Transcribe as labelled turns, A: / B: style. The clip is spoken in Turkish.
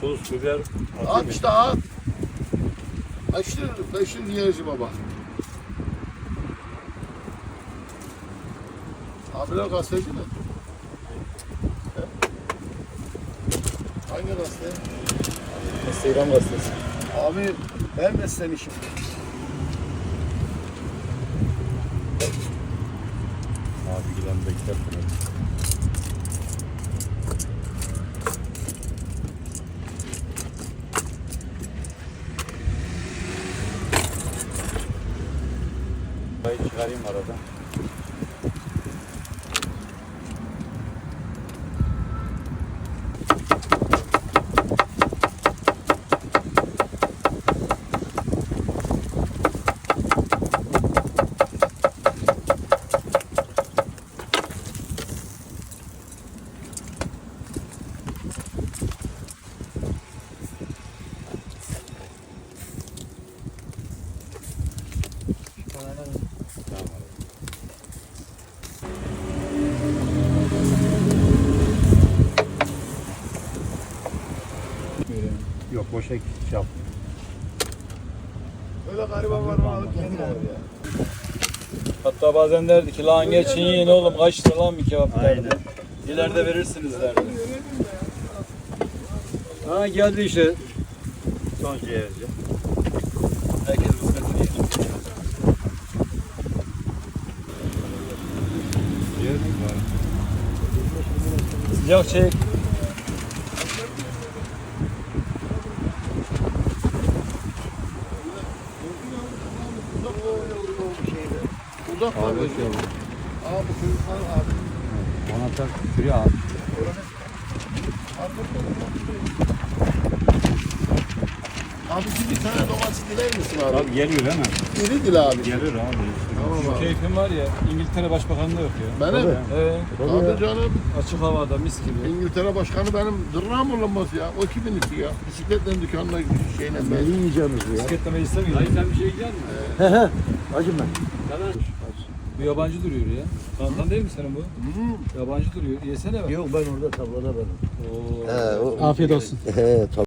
A: tuz, biber
B: At işte at. Beşir diyeceğim baba. Abiler gazeteci mi? He? Hangi gazete?
C: Instagram gazetesi.
B: Abi ben meslemişim.
A: Abi giden bekler. Burayı çıkarayım arada. Yok boşa şey yap.
B: Böyle gariban var mı alıp kendine ya.
D: Hatta bazen derdi ki lan geçin yiyin oğlum kaç lira lan bir kebap derdi.
A: Aynen.
D: İleride verirsiniz derdi. Ha geldi işte.
A: Son ciğerci.
D: Herkes kısmetini yer.
A: Ciğer mi var?
D: Sıcak çek.
B: Uzak var böyle. Abi bu çocuklar abi.
A: Ona tak şuraya al.
B: Abi bir tane domates diler misin abi?
A: Abi geliyor değil mi?
B: İri dil abi.
A: Geliyor abi.
B: Tamam
D: Şu
B: abi.
D: keyfim var ya İngiltere Başbakanlığı yok ya.
B: Benim mi?
D: He,
B: Abi canım
D: açık havada mis gibi.
B: İngiltere Başkanı benim dırnağım olamaz ya. O kimin işi ya? Bisikletle dükkanına şeyle ben.
C: yiyeceğimiz ya?
D: Bisikletleme istemiyor.
A: Dayı sen bir şey yiyecek misin?
C: He he. Acım ben.
D: Bu yabancı duruyor ya. Kandan değil mi senin bu?
B: Hmm.
D: Yabancı duruyor. Yesene bak.
C: Yok ben orada tablada benim.
D: Oo.
C: Afiyet olsun. He tabii.